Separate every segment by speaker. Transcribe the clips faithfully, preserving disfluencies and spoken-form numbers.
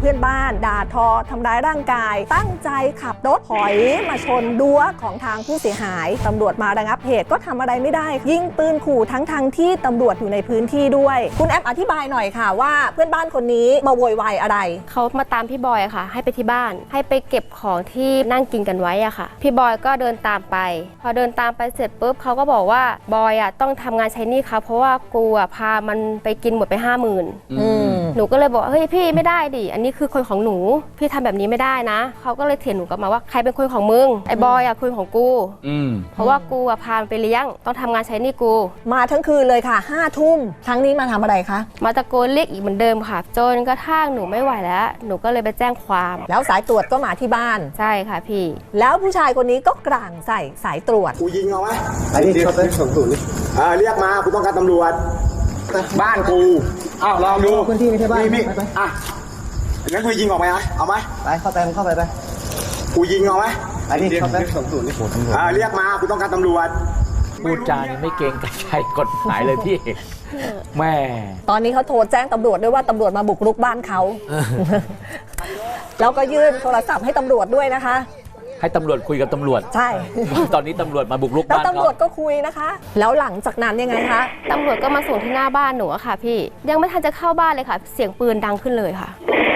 Speaker 1: พื่อนบ้านด่าทอทำร้ายร่างกายตั้งใจขับรถถอยมาชนรั้วของทางผู้เสียหายตำรวจมาระงับเหตุก็ทำอะไรไม่ได้ยิงปืนขู่ทั้งทางที่ตำรวจอยู่ในพื้นที่ด้วยคุณแอปอธิบายหน่อยค่ะว่าเพื่อนบ้านคนนี้มาโวยวายอะไร
Speaker 2: เขามาตามพี่บอยอะค่ะให้ไปที่บ้านให้ไปเก็บของที่นั่งกินกันไว้อะค่ะพี่บอยก็เดินตามไปพอเดินตามไปเสร็จปุ๊บเขาก็บอกว่าบอยอะต้องทำงานใช้หนี้เขาเพราะว่ากูอะพามันไปกินหมดไปห้าหมื่นหนูก็เลยบอกเฮ้ยพี่ไม่ได้ดิอันนี้คือคนของหนูพี่ทำแบบนี้ไม่ได้นะเขาก็เลยเถียงหนูกลับมาว่าใครเป็นคนของมึงไอ้บอยอะคนของกูเพราะว่ากูอะพาไปเลี้ยงต้องทำงานใช้หนี้กู
Speaker 1: มาทั้งคืนเลยค่ะห้าทุ่มครั้งนี้มาทำอะไรคะ
Speaker 2: มาตะโกนเรียกอีกเหมือนเดิมค่ะจนกระทั่งหนูไม่ไหวแล้วหนูก็เลยไปแจ้งความ
Speaker 1: แล้วสายตรวจก็มาที่บ้าน
Speaker 2: ใช่ค่ะพี่
Speaker 1: แล้วผู้ชายคนนี้ก็กลางใส่สายตรวจ
Speaker 3: กูยิงเอาไหมไอ้นี่เขาเป็นสองศูนย์อ่าเรียกมากูต้องการตำรวจบ้านกูอ้าวลองดู
Speaker 4: พื้นที่ไม่ใช่บ้าน
Speaker 3: มีอ่ะงั้นกูยิงออกไหมอ่ะเอาไหม
Speaker 4: ไปเข้าไปมึงเข้าไปไป
Speaker 3: กูยิงเอาไหม
Speaker 4: ไอ้นี่เขาเป็นสองศูนย์
Speaker 3: อ่าเรียกมากูต้องการตำรวจ
Speaker 5: พูดจานี่ไม่เกรงใจกฎหมายเลยพี่แม่
Speaker 1: ตอนนี้เขาโทรแจ้งตำรวจด้วยว่าตำรวจมาบุกรุกบ้านเขาแล้วก็ยื่นโทรศัพท์ให้ตำรวจด้วยนะคะ
Speaker 5: ให้ตำรวจคุยกับตำรวจ
Speaker 1: ใช่
Speaker 5: ตอนนี้ตำรวจมาบุกรุกบ้านเขา
Speaker 1: แล้วตำรวจก็คุยนะคะแล้วหลังจากนั้นยังไงคะ
Speaker 2: ตำรวจก็มาส่งที่หน้าบ้านหนูอะค่ะพี่ยังไม่ทันจะเข้าบ้านเลยค่ะเสียงปืนดังขึ้นเลยค่ะ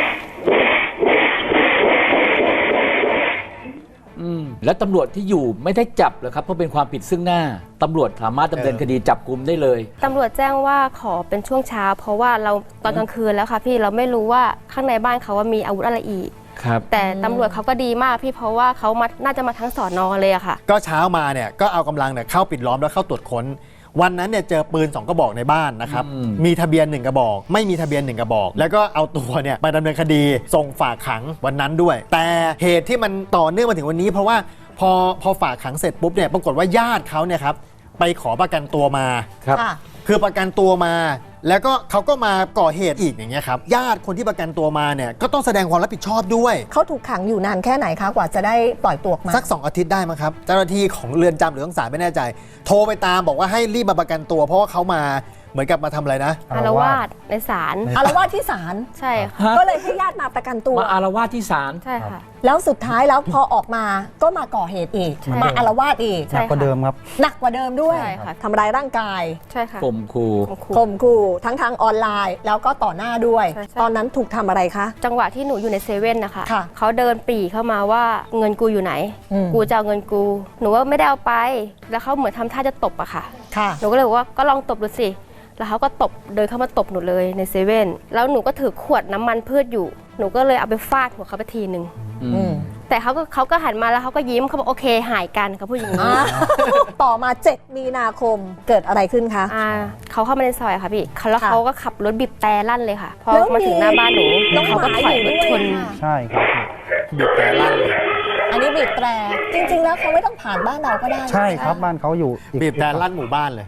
Speaker 5: อืมแล้วตำรวจที่อยู่ไม่ได้จับเหรอครับเพราะเป็นความผิดซึ่งหน้าตำรวจสามารถดำเนินคดีจับกุมได้เลย
Speaker 2: ตำรวจแจ้งว่าขอเป็นช่วงเช้าเพราะว่าเราตอนกลางคืนแล้วค่ะพี่เราไม่รู้ว่าข้างในบ้านเขาว่ามีอาวุธอะไรอีกแต่ตำรวจเขาก็ดีมากพี่เพราะว่าเขามาน่าจะมาทั้งสอนอเลยอะค่ะ
Speaker 6: ก็เช้ามาเนี่ยก็เอากำลังเนี่ยเข้าปิดล้อมแล้วเข้าตรวจค้นวันนั้นเนี่ยเจอปืนสองกระบอกในบ้านนะครับมีทะเบียนหนึ่งกระบอกไม่มีทะเบียนหนึ่งกระบอกแล้วก็เอาตัวเนี่ยไปดำเนินคดีส่งฝากขังวันนั้นด้วยแต่เหตุที่มันต่อเนื่องมาถึงวันนี้เพราะว่าพอพอฝากขังเสร็จปุ๊บเนี่ยปรากฏว่าญาติเขาเนี่ยครับไปขอประกันตัวมาครับคือประกันตัวมาแล้วก็เขาก็มาก่อเหตุอีกอย่างเงี้ยครับญาติคนที่ประกันตัวมาเนี่ยก็ต้องแสดงความรับผิดชอบด้วย
Speaker 1: เขาถูกขังอยู่นานแค่ไหนคะกว่าจะได้ปล่อยตัวมา
Speaker 6: สักสองอาทิตย์ได้มั้งครับเจ้าหน้าที่ของเรือนจำหรือของศาลไม่แน่ใจโทรไปตามบอกว่าให้รีบมาประกันตัวเพราะว่าเขามาเหมือนกับมาทำอะไรนะ
Speaker 2: อารวาสในศาล
Speaker 1: อารวาสที่ศาล
Speaker 2: ใช่ค่ะ
Speaker 1: ก็เลยให้ญาติมาประกันตัว
Speaker 5: มาอารวาสที่ศาล
Speaker 2: ใช่ค่ะ
Speaker 1: แล้วสุดท้ายแล้วพอออกมาก็มาก่อเหตุอีกมาอารวาสอีก
Speaker 4: หนักกว่าเดิมครับ
Speaker 1: หนักกว่าเดิมด้วยทำร้ายร่างกาย
Speaker 2: ใช่ค่ะ
Speaker 5: ข่มขู่
Speaker 1: ข่มขู่ทั้งทางออนไลน์แล้วก็ต่อหน้าด้วยตอนนั้นถูกทำอะไรคะ
Speaker 2: จังหวะที่หนูอยู่ในเซเว่นนะคะเขาเดินปี่เข้ามาว่าเงินกูอยู่ไหนกูจะเอาเงินกูหนูว่าไม่ได้เอาไปแล้วเขาเหมือนทำท่าจะตบอะค่ะหนูก็เลยบอกว่าก็ลองตบดูสิแล้วเขาก็ตบเดินเข้ามาตบหนูเลยในเซเว่นแล้วหนูก็ถือขวดน้ำมันพืชอยู่หนูก็เลยเอาไปฟาดหัวเขาไปทีหนึ่งแต่เขาก็เขาก็หันมาแล้วเขาก็ยิ้มเขาบอกโอเคหายกันเขาพูดอย่างนี้
Speaker 1: ต่อมาเจ็ดมีนาคมเกิดอะไรขึ้นคะ
Speaker 2: เขาเข้ามาในซอยค่ะพี่แล้วเขาก็ขับรถบีบแต่ลั่นเลยค่ะพอมาถึงหน้าบ้านหนูเขาก็ถอยรถชน
Speaker 4: ใช่ครับ
Speaker 6: บีบแต่ลั่นเลย
Speaker 1: อันนี้บีบแต่จริงๆแล้วเขาไม่ต้องผ่านบ้านเราก็ได้
Speaker 4: ใช่ครับบ้านเขาอยู่
Speaker 6: บีบแต่ลั่นหมู่บ้านเลย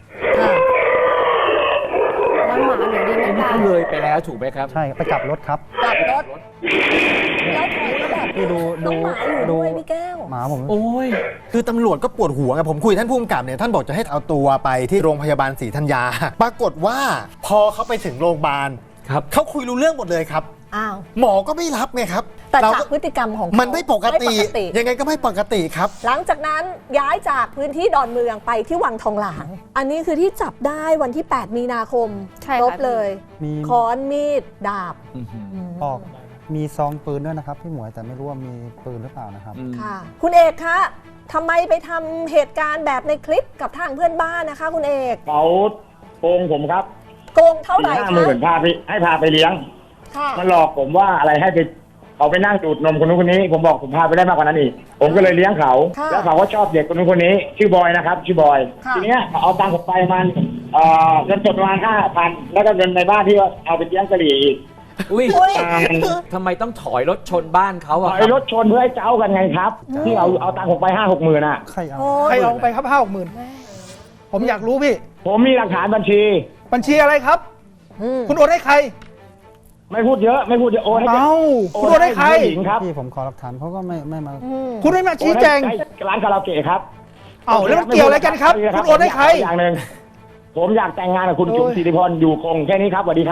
Speaker 2: หมาหนูดีไม่ได้
Speaker 5: เลยไปแล้วถูกไหมครับ
Speaker 4: ใช่ไปกลับรถครับ
Speaker 1: กลับรถแล้วถอยก็แบบ
Speaker 4: ดูดู
Speaker 1: ดูพี่แก้ว
Speaker 4: หมาผม
Speaker 6: โอ้ยคือตำรวจก็ปวดหัวไงผมคุยท่านผู้กำกับเนี่ยท่านบอกจะให้เอาตัวไปที่โรงพยาบาลศรีธัญญาปรากฏว่าพอเขาไปถึงโรงพยาบาลครับเขาคุยรู้เรื่องหมดเลยครับ
Speaker 1: อ้าว
Speaker 6: หมอก็ไม่รับไงครับ
Speaker 1: แต่จากพฤติกรรมของ
Speaker 6: มันไม่ปกติยังไงก็ไม่ปกติครับ
Speaker 1: หลังจากนั้นย้ายจากพื้นที่ดอนเมืองไปที่วังทองหลางอันนี้คือที่จับได้วันที่แปดมีนาคมครบเลยค้อนมีดดาบ
Speaker 4: ออกมีซองปืนด้วยนะครับพี่หมวยแต่ไม่รู้ว่ามีปืนหรือเปล่านะครับ
Speaker 1: ค่ะคุณเอกคะทำไมไปทำเหตุการณ์แบบในคลิปกับทางเพื่อนบ้านนะคะคุณเอก
Speaker 3: เขาโกงผมครับ
Speaker 1: โกงเท่าไหร่คะ
Speaker 3: ห้าหมื่นพาไปให้พาไปเลี้ยงมันหลอกผมว่าอะไรให้ไปเขาไปนั่งดูดนมคนนู้นคนนี้ผมบอกผมพาไปได้มากกว่านั้นอีกผมก็เลยเลี้ยงเขาแล้วเขาก็ชอบเด็กคนนู้นคนนี้ชื่อบอยนะครับชื่อบอยทีเนี้ยเอาตังค์ผมไปมันเอ่อเงินสดประมาณห้าพันแล้วก็เงินในบ้านที่ว่าเอาไปเลี้ยงกะหรี่อีก
Speaker 5: อุ้ยทำไมต้องถอยรถชนบ้านเขาอะ
Speaker 3: ถอยรถชนเพื่อให้เจ้ากันไงครับที่เอาเอาตังค์ผมไปห้าหกหมื่นอะ
Speaker 4: ใครเอาใครเอาไปครับห้าหกหมื่นผมอยากรู้พี่
Speaker 3: ผมมีหลักฐานบัญชี
Speaker 4: บัญชีอะไรครับคุณโอนให้ใคร
Speaker 3: ไม่พูดเยอะไม่พูดเยอะโอนให้
Speaker 4: เอ้าคุณโอนให้ใคร
Speaker 3: ครับ
Speaker 4: พี่ผมขอหลักฐานเขาก็ไม่ไม่มา
Speaker 3: คุ
Speaker 4: ณไม่มาชี้แจง
Speaker 3: ร้านคาราโอเกะครับ
Speaker 4: เอ้าแล้วมันเกี่ยวอะไรกันครับคุณโอนให้ใคร
Speaker 3: อย่างหนึ่งผมอยากแต่งงานกับคุณจุ๋มศิริพรอยู่คงแค่นี้ครับสวัสดีครับ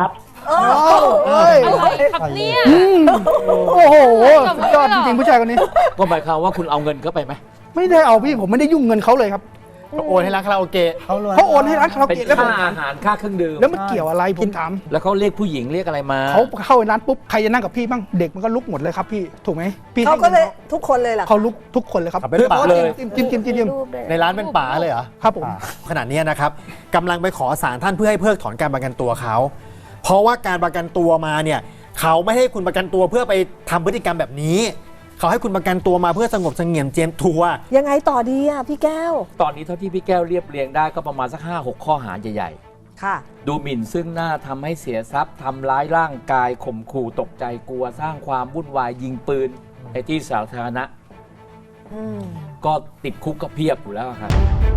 Speaker 1: เออ
Speaker 7: เอ้ย
Speaker 8: อะไรครับเนี่ย
Speaker 7: โอ้โหสุดยอดจริงๆผู้ชายคนนี้
Speaker 5: ก็หมายความว่าคุณเอาเงินเข้าไปไหม
Speaker 7: ไม่ได้เอาพี่ผมไม่ได้ยุ่งเงินเขาเลยครับ
Speaker 6: โอนให้ร้านคาราโอเกะ
Speaker 4: เขารวย
Speaker 7: เขาโอนให้ร้านคาราโอ
Speaker 5: เป็น
Speaker 7: เกะแล้วผม
Speaker 5: ค่าอาหารค่าเครื่องดื่ม
Speaker 7: แล้วมันเกี่ยวอะไรผมถาม
Speaker 5: แล้วเขาเรียกผู้หญิงเรียกอะไรมา
Speaker 7: เขาเข้าร้านปุ๊บใครจะนั่งกับพี่บ้างเด็กมันก็ลุกหมดเลยครับพี่ถูกไหมพี่
Speaker 1: เขา
Speaker 7: ให้
Speaker 1: ก็
Speaker 7: งิน
Speaker 1: เลยทุกคนเลยเหรอ
Speaker 7: เขาลุกทุกคนเลยครับ
Speaker 6: ขับเป็นป่าเลย
Speaker 7: จิ้มจิ้มจิ้มจิ้มจิ้ม
Speaker 2: รูปด้วย
Speaker 6: ในร้านเป็นป่าเลยเหรอ
Speaker 7: ครับผม
Speaker 6: ขณะนี้นะครับกำลังไปขอศาลท่านเพื่อให้เพิกถอนการประกันตัวเขา เพราะว่าการประกันตัวมาเนี่ยเขาไม่ให้คุณประกันตัวเพื่อไปทำพฤติกรรมแบบนี้ เขาให้คุณประกันตัวมาเพื่อสงบเสงี่ยมเจียมตัว
Speaker 1: ยังไงต่อดีอ่ะพี่แก้ว
Speaker 5: ตอนนี้เท่าที่พี่แก้วเรียบเรียงได้ก็ประมาณสักห้าหกข้อหาใหญ่
Speaker 1: ค่ะ
Speaker 5: ๆ ดูหมิ่นซึ่งหน้าทำให้เสียทรัพย์ทำร้ายร่างกายข่มขู่ตกใจกลัวสร้างความวุ่นวายยิงปืนในที่สาธารณะ
Speaker 1: อืม
Speaker 5: ก็ติดคุกก็เพียบอยู่แล้วครับ